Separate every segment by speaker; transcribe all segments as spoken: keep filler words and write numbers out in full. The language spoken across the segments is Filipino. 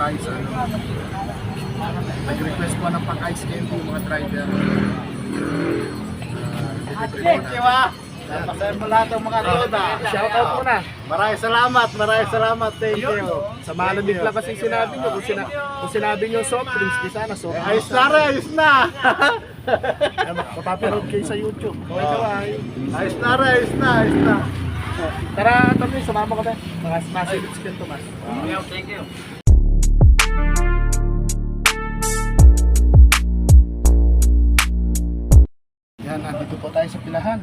Speaker 1: tayo sa ano. Nag-request po ng pang-ice candy yung mga driver. Uh,
Speaker 2: Thank you ah. Pasayan mo lahat ng mga roda.
Speaker 1: Shoutout muna.
Speaker 2: Maraming salamat, maraming salamat. Thank you.
Speaker 1: Sa malamig lang kasi sinabi nyo. Kung, sina kung sinabi nyo soft drinks, di sana soft drinks.
Speaker 2: Ayos na rin, ayos na.
Speaker 1: Mapaparoon kayo sa YouTube. Kaway kaway.
Speaker 2: Ayos na rin, ayos na, ayos na.
Speaker 1: Tara, Tommy, sumama ka ba? Mga massive skill to mas.
Speaker 2: Thank you.
Speaker 1: Yan, nandito po tayo sa pilahan.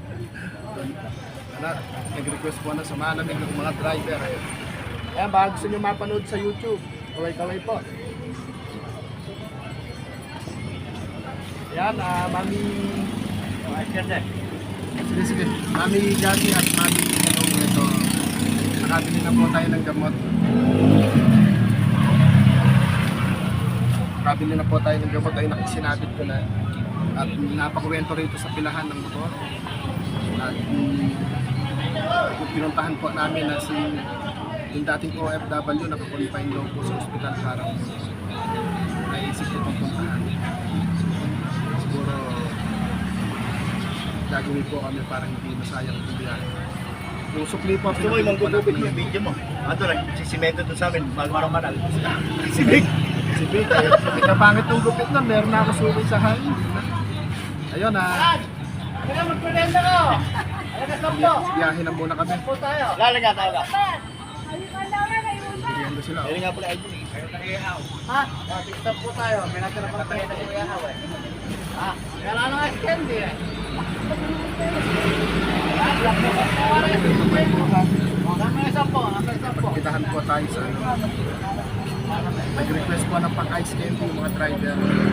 Speaker 1: Anak, nag-request po na sa malamig ng mga driver. Ayan, baka gusto nyo mapanood sa YouTube. Kaway-kaway po. Ayan, ah, Mami... Sige, sige. Mami Gati at Mami Kanong ito. Nakabili na po tayo ng gamot. Nakabili na po tayo ng gamot ay nakisinabit ko na. At napakuwento rito sa pilahan ng motor. At um, pinuntahan po namin na si yung dating O F W nakakonfine daw po sa ospital parang naisip ko pang puntahan. Siguro gagawin po kami parang hindi masayang ang biyahe. Yung sukli po,
Speaker 2: Gusto mo yung manggugupit yung video mo? Ano lang, sisimento doon sa amin, magmarang-maral. Sibig!
Speaker 1: Sibig, eh. Ikapangit ng gupit na, meron na ako sulit sa hangin. Ayun ah.
Speaker 2: Ano ka magpulenda ko? Ano ka sampo?
Speaker 1: Biyahe na muna kami.
Speaker 2: Sampo tayo. Lalang nga tayo ka.
Speaker 1: Biyahe na sila.
Speaker 2: Ayun nga pala, Alvin. Kayo tayo ha? Stop po tayo. May natin na pala tayo na iyahaw eh. Ha? Kaya lang nga candy eh.
Speaker 1: Pagkitahan po tayo sa ano. Nag-request po ng pang-ice candy yung mga driver.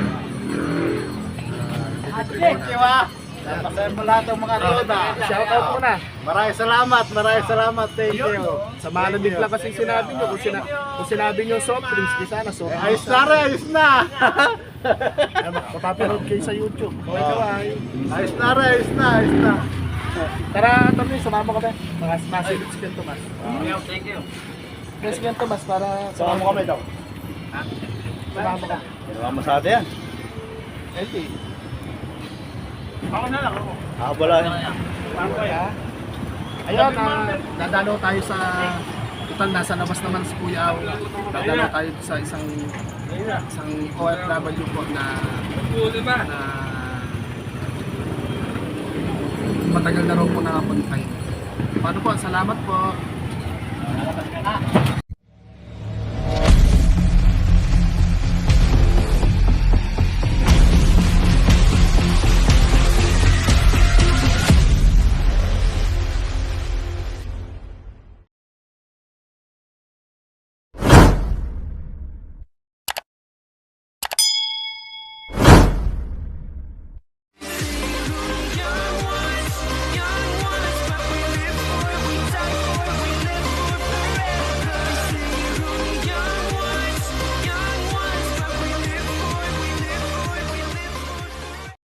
Speaker 2: Thank you ah. Pasayan mo lahat ng mga roda.
Speaker 1: Shoutout muna.
Speaker 2: Maraming salamat, maraming salamat. Thank you.
Speaker 1: Sa malamig lang kasi sinabi nyo. Kung, sina kung sinabi nyo soft drinks, di sana soft drinks.
Speaker 2: Ayos na rin, ayos na.
Speaker 1: Mapaparoon kayo sa YouTube. Kaway kaway.
Speaker 2: Ayos na rin, ayos na, ayos na.
Speaker 1: Tara, Tommy, sumama ka ba? Mga massive skill to mas.
Speaker 2: Thank you.
Speaker 1: Mas skill to mas para
Speaker 2: Sama mo kami daw.
Speaker 1: sumama ka.
Speaker 2: Ginawa mo sa atin yan.
Speaker 1: Okay.
Speaker 2: Ako na lang ako. Ah, wala.
Speaker 1: Ha? Ayun, uh, dadalo tayo sa total nasa labas naman si Kuya Aw. Dadalo tayo sa isang isang O F W po na na matagal na raw po nakapunta. Paano po? Salamat po.